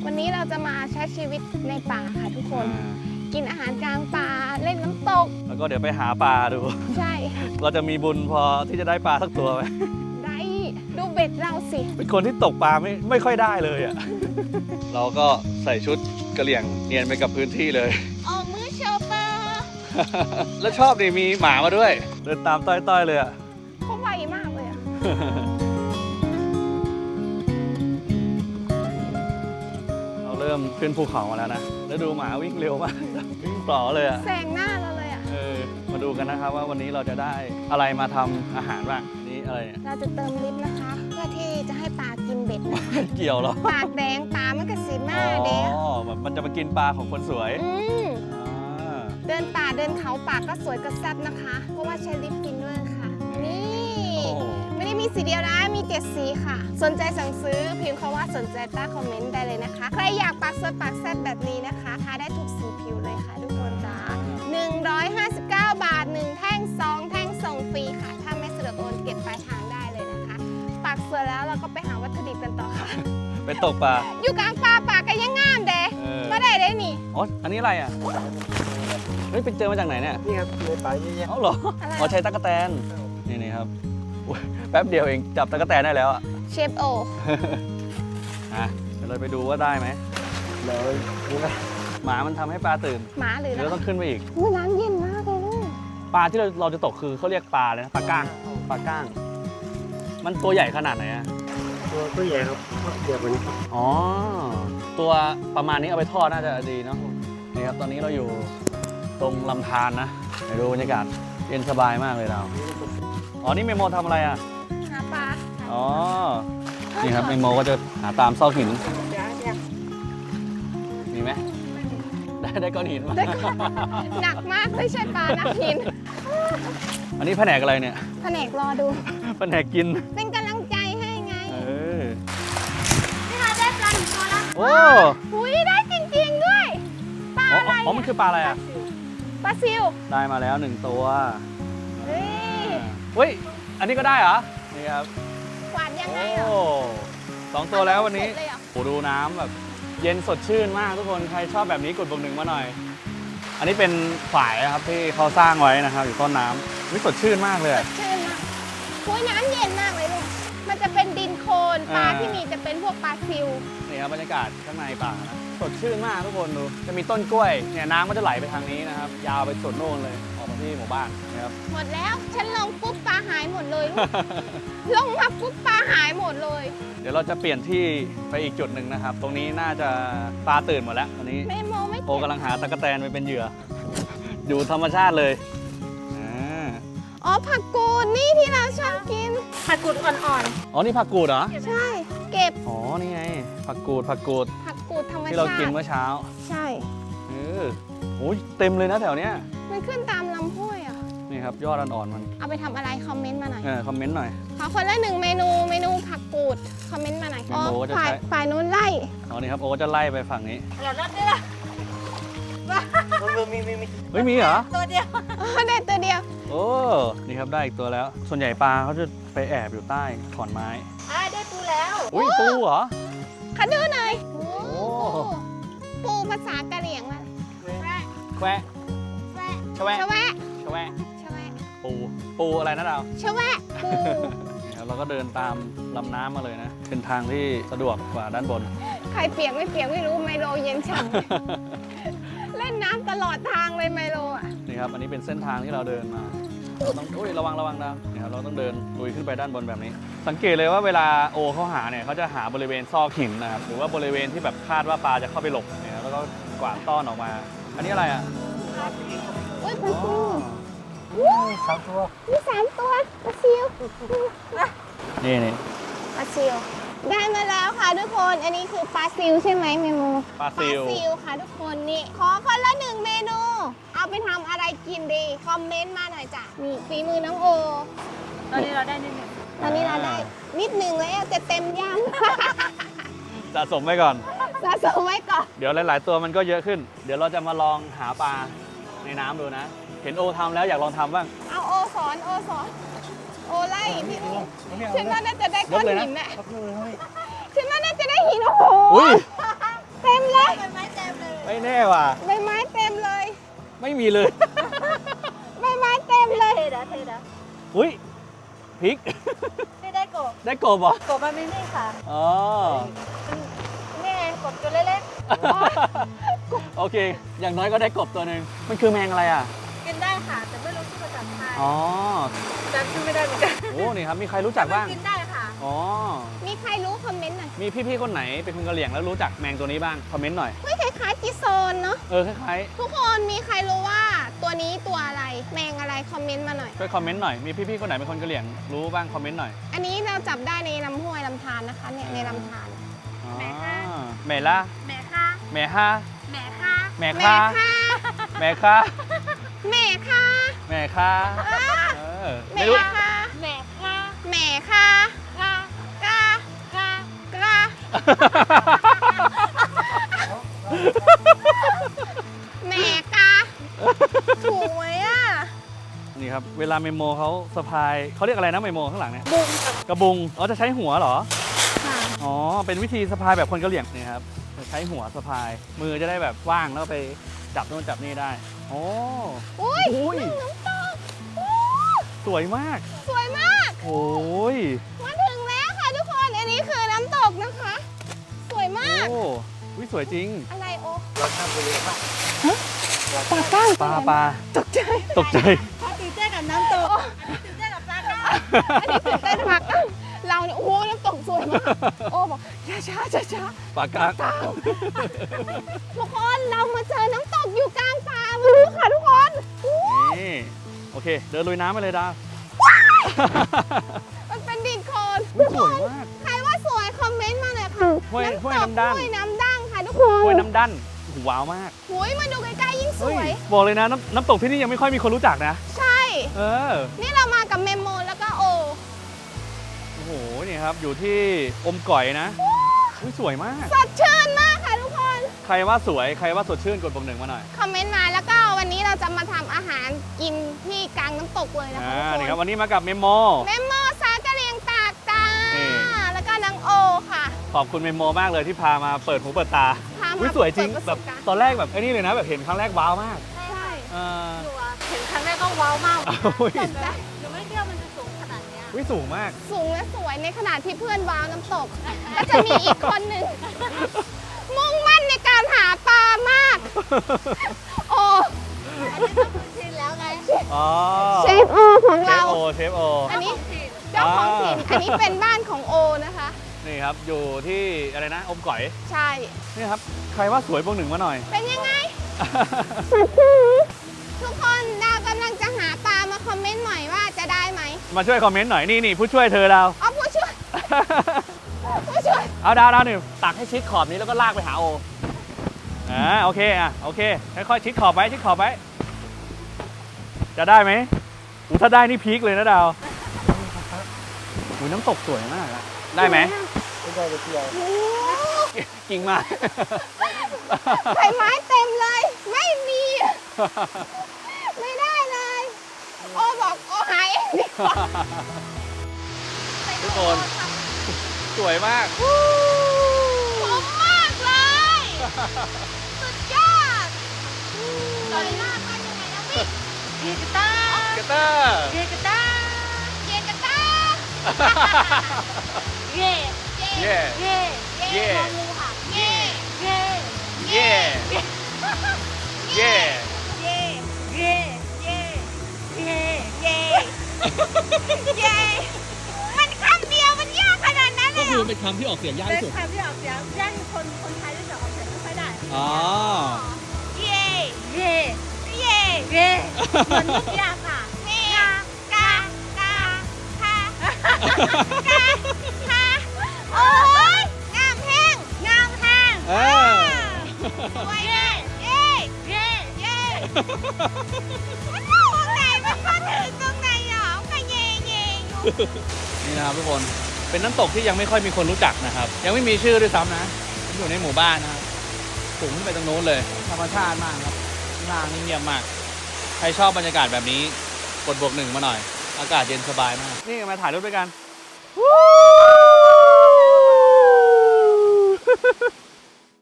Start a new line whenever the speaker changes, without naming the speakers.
วันนี้เราจะมาใช้ชีวิตในป่าค่ะทุกคน กินอาหารกลางป่าเล่นน้ำตก
แล้วก็เดี๋ยวไปหาปลาดู
ใช่
เราจะมีบุญพอที่จะได้ปลาสักตัวไหม
ได้ดูเบ็ดเราสิ
เป็นคนที่ตกปลาไม่ค่อยได้เลยอ่ะ เราก็ใส่ชุดกระเหลี่ยงเนียนไปกับพื้นที่เลย
ออกมือโชเปอร์
แล้วชอบดิมีหมามาด้วย เดินตามต้อยๆเลยอ่ะ
เขาไวมากเลยอ่ะ
เราเริ่มขึ้นภูเขามาแล้วนะแล้วดูหมาวิ่งเร็วมาก วิ่งปลอเลยอ่ะ
แซงหน้าเราเลยอ่ะ
มาดูกันนะครับว่าวันนี้เราจะได้อะไรมาทำอาหารบ้างนี่อะไรเนี่ย
เราจะเติมลิฟต์นะคะ เพื่อที่จะให้ปลากินเบ็ดนะคะ
เกี่ยวเหรอ
ปากแดงปลามันก็สีมาเด้
อ๋อมันจะมากินปลาของคนสวย อ่า
เดินป่าเดินเขาป่าก็สวยก็แซ่บนะคะ เพราะว่าใช้ลิฟต์กินด้วยค่ะ นี่
โอ้
ไม่ได้มีสีเดียวนะ มี7สีค่ะ สนใจสั่งซื้อพิมพ์คำว่าสนใจใต้คอมเมนต์ได้เลยนะคะ ใครอยากปากสวยปากแซ่บแบบนี้นะคะทาได้ทุกสีผิวเลยค่ะทุกคนจ้า159 บาท 1 แท่ง 2 แท่งส่งฟรีค่ะ ถ้าไม่สะดวกโอนเก็บปลายทางได้เลยนะคะ ปากสวยแล้วเราก็ไปหาวัตถุดิบกันต่อค่ะ
ไปตกปลา
อยู่กลางป่าป่าก็ยังงามเด้มาได้นี่
อ๋ออันนี้อะไรอ่ะเฮ้ยไปเจอมาจากไหนเนี่ย
นี่ครับในป่าเยอะแยะ
เอ้าเหรอ
อะไร
อ๋อใช้ตั๊กแตนนี่ครับอุ๊ยแป๊บเดียวเองจับตั๊กแตนได้แล้วอ่ะ
เชฟโอ
อ่ะเดี๋ยวเราไปดูว่าได้ไหม
เลยนี่นะ
หมามันทำให้ปลาตื่น
หมาหรือ
เดี๋ยวเราต้องขึ้นไปอีก
อุ๊ยน้ำเย็นมากเลยลูก
ปลาที่เราจะตกคือเขาเรียกปลาเลยนะปลาก้างปลาก้าง มันตัวใหญ่ขนาดไหนอ่ะ
ตัวใหญ่ครับเดียวกันนี้
อ๋อ ตัวประมาณนี้เอาไปทอดน่าจะดีเนาะนี่ครับตอนนี้เราอยู่ตรงลำธารนะไปดูบรรยากาศเย็นสบายมากเลยเราอ๋อนี่เมโมทำอะไรอ่ะ
หาปลา
อ๋อนี่ครับเมโมก็จะหาตามซอกหินมีไหมได้ก้อนหินมา
ได้ก็หนักมากไม่ใช่ปลานักหิน
อันนี้แผนกอะไรเนี่ย
แผนกรอดู
แผนกกิน
เป็นกำลังใจให้ไงนี่ค่ะได้ปลาหนึ่งตัวแล้ว
โอ้
อุ้ยได้จริงๆด้วย ปลา
อ๋อ
อะไร
อ๋อมันคือปลาอะไรอ่ะ
ปลาซิว
ได้มาแล้ว1ตัว
เฮ้ย
เฮ้ยอันนี้ก็ได้เหรอนี่ครับ
หวานยังไง
โอ้
เหรอ
2ตัวแล้ววันนี้
สุดเลยเหรอ
โอ้ดูน้ำแบบเย็นสดชื่นมากทุกคนใครชอบแบบนี้กดบวกหนึ่งมาหน่อย อันนี้เป็นฝายนะครับที่เขาสร้างไว้นะครับอยู่ต้นน้ำวิสดชื่นมากเลย
ส
อะ
ดชื่นมากอุ้ยน้ำเย็นมากเลยลูก มันจะเป็นดินโคลนปลา
อ่า
ที่มีจะเป็นพวกปลาซิว
นี่ครับบรรยากาศข้างในป่านะสดชื่นมากทุกคนดูจะมีต้นกล้วยเนี่ยน้ำก็จะไหลไปทางนี้นะครับยาวไปสุดโน่นเลยออกมาที่หมู่บ้านนะครับ
หมดแล้ว ฉันลงปุ๊บปลาหายหมดเลยลูก ลงมาปุ๊บปลาหายหมดเลย
เดี๋ยวเราจะเปลี่ยนที่ไปอีกจุดหนึ่งนะครับ ตรงนี้น่าจะปลาตื่นหมดแล้วตอนนี้
ไม่โมไม่
โอกำลังหาตะกแตนไปเป็นเหยื่อ อยู่ธรรมชาติเลยอ่า
อ๋อผักกูดนี่ที่เราชอบกิน ผักกูดอ่อน
อ๋อนี่ผักกูดเหรอ
ๆ ใช่ เก็บ
อ๋อนี่ไงผักกูด
ผักกูดธรรมชาติ
ที่เรากินเมื่อเช้า
ใช่
โอ้ยเต็มเลยนะแถวเนี้ย
มันขึ้นตามลำห้วยอ่ะ
นี่ครับยอดอ่อนๆมัน
เอาไปทำอะไรคอมเมนต์มาหน่อย
คอมเมนต์หน่อย
ขอคนละ1 เมนูผักกูดคอมเมนต์มาหน่อย
เมนูจะใช้
ฝ่ายนู้นไล่
อ๋อนี่ครับโอ้จะไล่ไปฝั่งนี้
เราลัดได้ละ
มี
เฮ้ยมีเหรอ
ตัวเดียวได้ตัวเดียว
โอ้นี่ครับได้อีกตัวแล้ว ส่วนใหญ่ปลาเขาจะไปแอบอยู่ใต้ขอนไม้
ได้ปูแล้ว
อุ้ยปูเหรอ
ขอดูหน่อย
โอ้
ปูภาษากะเหรี่ยงว่า
แควะชะแวะ
ชะแวะ
ชะแวะ
ชะแวะ
ปูอะไรนะดาว
ชะแวะปู
นี่ครับเราก็เดินตามลำน้ำมาเลยนะ เป็นทางที่สะดวกกว่าด้านบน
ใครเปียกไม่เปียกไม่รู้ไมโลเย็นฉ่ำ เล่นน้ำตลอดทางเลยไมโลอ่ะ
นี่ครับ อันนี้เป็นเส้นทางที่เราเดินมาเราต้องอุ้ยระวังดาวนี่ครับเราต้องเดินลุยขึ้นไปด้านบนแบบนี้ สังเกตเลยว่าเวลาโอเขาหาเนี่ยเขาจะหาบริเวณซอกหินนะครับ หรือว่าบริเวณที่แบบคาดว่าปลาจะเข้าไปหลบเนี่ยครับแล้วก็กวาดต้อนออกมา อันนี้อะไรอ่ะ
อุ้ยปลาซิว
3 ตัว
มี3 ตัวปลาซิว
นี่
ปลาซิว ได้มาแล้วค่ะทุกคน อันนี้คือปลาซิวใช่ไหมเมโม
ปลาซิว
ค่ะทุกคนนี่ ขอคนละ1 เมนู เอาไปทำอะไรกินดี คอมเมนต์มาหน่อยจ้ะนี่ฝีมือน้องโอ
ตอนนี้เราได้นิดหนึ่ง
ตอนนี้เราได้นิดหนึ่งแล้วจะเต็มย่าง
สะสมไว้ก่อน
สะสมไว้ก่อน
เดี๋ยวหลาย ๆ ตัวมันก็เยอะขึ้น เดี๋ยวเราจะมาลองหาปลาในน้ำดูนะ เห็นโอทำแล้วอยากลองทำบ้าง
เอาโอสอน โอไล่พี่ฉันว่าน่าจะได้ก้อนหินน่ะฉันว่าน่าจะได้หินโอ้โห
อุ้ย
แต่
ไม่แน่ว่ะ
ใบไม้เต็มเลย
ไม่มีเลย
ใบไม้เต็มเลย
เทนะเทนะ
อุ้ยพริก
ไม่ได้กบ
ได้กบเหรอ
กบมันไม่นี่ค่ะ
อ๋อ
นี่ไงกบตัวเล็ก
โอเค อย่างน้อยก็ได้กบตัวหนึ่งมันคือแมงอะไรอ่ะ
ๆกินได้ค่ะ แต่ไม่รู้ชื่อภาษาไทย
อ๋อ
จำชื่อไม่ได้เหมือนกัน
โอ้นี่ครับมีใครรู้จักบ้าง
กินได้ค่ะ
อ๋อ
มีใครรู้คอมเมนต์หน่อย
มีพี่ๆคนไหนเป็นคนกะเหรี่ยงแล้วรู้จักแมงตัวนี้บ้างคอมเมนต์หน่อย
เฮ้ยคล้ายๆจิโซนเนาะ
คล้าย
ทุกคนมีใครรู้ว่าตัวนี้ตัวอะไร แมงอะไรคอมเมนต์มาหน่อย
ๆช่วยคอมเมนต์หน่อยมีพี่ๆคนไหนเป็นคนกะเหรี่ยงรู้บ้างคอมเมนต์หน่อย
อันนี้เราจับได้ในลำห้วยลำธารนะคะเนี่ยในลำธาร
อ๋อ
แม่ค่ะ
แม่ล่ะ
แม่ค่ะ
แม่ฮ่า
แม่ค่ะ
แม่
แม่
ค่า
ค่ะ
แม่ค่า
แม่ค่ะ
แม่ค่าเออ
แม่
ไม่รู้
ค่ะ
แม่ค่ะ
แม่ค่ะ
ค่ะ
กาก
ค่ะ
กาแม่กาถูกไหมอ่ะ
นี่ครับเวลาเมโมเขาสะพายเขาเรียกอะไรนะเมโมข้างหลังเนี่ย
บุ้งกับ
กระบุงอ๋อจะใช้หัวเหรอ
ค่ะ
อ๋อเป็นวิธีสะพายแบบคนกะเหรี่ยงนี่ครับจะใช้หัวสะพายมือจะได้แบบว่างแล้วก็ไปจับโน่นจับนี่ได้โอ้
อุ้ย
โอ้ย
น้ำตกอู้
สวยมาก
สวยมาก
โอ้ย
มาถึงแล้วค่ะทุกคน อันนี้คือน้ำตกนะคะ สวยมาก
โอ้วิสวยจริง
อะไรโอ
เราข้ามไปเลยครับ
ปลาก้าง
ปลาปลา
ตกใจ
ตกใจ
พอตื่นเต้นกับน้ำตกตื่นเต้นกับปลาค่ะ
อันนี้ตื่นเต้นมากเราเนี่ยโอ้โหน้ำตกสวยมาก โอ้บอกช้าช้าช้า
ปลากาง
ทุกคนเรามาเจอน้ำตกอยู่กลางป่ามาดูค่ะทุกคนอู้
นี่โอเค เดินลุยน้ำไปเลยดาว
มันเป็นดินโคลน
อุ๊ยสวยมาก
ใครว่าสวยคอมเมนต์มาหน่อยค่ะ
ห้วย
น้ำตก
ห้วยน้ำดั้ง
ห้วยน้ำดั้งค่ะทุกคน
ห้วยน้ำดันโอ้โหว้าวมาก
หุยมาดูใกล้ๆยิ่งส
เฮ้
วย
บอกเลยนะน้ำตกที่นี่ยังไม่ค่อยมีคนรู้จักนะ
ใช่
เออ
นี่เรามากับเมมโมแล้วก็โอ
โอ้โห นี่ครับ อยู่ที่อมก่อยนะอุ๊ยสวยมาก
สดชื่นมากค่ะทุกคน
ใครว่าสวย ใครว่าสดชื่นกดปุ่มหนึ่งมาหน่อย
คอมเมนต์มาแล้วก็วันนี้เราจะมาทำอาหารกินที่กลางน้ำตกเลยนะคะทุก
นี่ค
ครับ น
วันนี้มากับเมมโม
เมมโมสากะเรียงตากจ้า
นี่
แล้วก็นางโอค่ะ
ขอบคุณเมมโมมากเลยที่พามาเปิดหูเปิดตา
พามา
อุ๊ยสวยจริง
เปิด
แบ
ประ
บ
สบการณ์
ตอนแรกแบบไอ้นี่เลยนะแบบเห็นครั้งแรกว้าวมาก
ใช่
เออ
หนูอะเห็นครั้งแรกก็ว้าวมาก
อุ๊ย
สนใจ
หนูไม่เชื่อมันจะสูงขนาดเนี้ย
อุ๊ยสูงมาก
สูงและสวยในขณะที่เพื่อนว้าวน้ำตก ก็จะมีอีกคนหนึ่ง มุ่งมั่นในการหาปลามาก โอ้
อันนี้ต้องคุ้นชินแล้วไง
อ๋อ
เชฟโอของ
เช
เรา
ฟโอเชฟโอ
อันนี้เจ้าของถิ่นอันนี้เป็นบ้านของโอนะคะ
นี่ครับ อยู่ที่อะไรนะ อมก่อย
ใช่
นี่ครับ ใครว่าสวยพวกหนึ่งมาหน่อย
เป็นยังไง ทุกคนดาวกำลังจะหาปลามาคอมเมนต์หน่อยว่าจะได้ไหม
มาช่วยคอมเมนต์หน่อย นี่ผู้ช่วยเธอดาว
เอาผู้ช่วย ผู้ช่วย
เอาดาวหนึ่งตักให้ชิดขอบนี้แล้วก็ลากไปหาโอโอเคโอเคค่อยๆชิดขอบไว้ชิดขอบไว้จะได้ไหมถ้าได้นี่พีคเลยนะดาวน้ำตกสวยมากอะได้ไหม
ไม่ได้เลยที่เรา
โอ้
กิ่งมา
ใบไม้เต็มเลย ไม่มี ไม่ได้เลย โอบอกโอหายเองดีกว่า
ทุกคนสวยมาก
ผมมากเลย สุดยอดสวยมากมันยังไงนะพี่
เกียร์กระต้า
เกเตอร์
เกียร์กระต้า
เกียร์กระตา
เย่
เย่
เย่
เย่
งองูค่ะ
เย่
เย่
เย่เย่
เย่
เย่เย่เย่
เย่เย่มันคำเดียวมันยากขนาดนั้นเล
ก็
ย
คื
เหร
อ
อ
เป็นคำที่ออกเสียงยาก
เป็น
ที่สุด
คำที่ออกเสียงย่านคนไทยรู้จักออกเสียงไม่ค่อยได้
อ๋อ
เย่
เย่
เย่
เย่เหมือนลูกยางอ่ะ
เย่กากาคากาคาโอ้ยงามแห้งงามแห้ง
เออ
สวยเลยเย่
เย่
เย่มันอยู่ตรงไหนมันมาถึงตรงไหนหรอก็เย่เย่อยู่
นี่นะครับทุกคน เป็นน้ำตกที่ยังไม่ค่อยมีคนรู้จักนะครับ ยังไม่มีชื่อด้วยซ้ำนะอยู่ในหมู่บ้านนะครับสูงขึ้นไปตรงโน้นเลย ธรรมชาติมากครับข้างล่างนี่เงียบมาก ใครชอบบรรยากาศแบบนี้ กดบวกหนึ่งมาหน่อย อากาศเย็นสบายมาก นี่มาถ่ายรูปด้วยกัน
วู้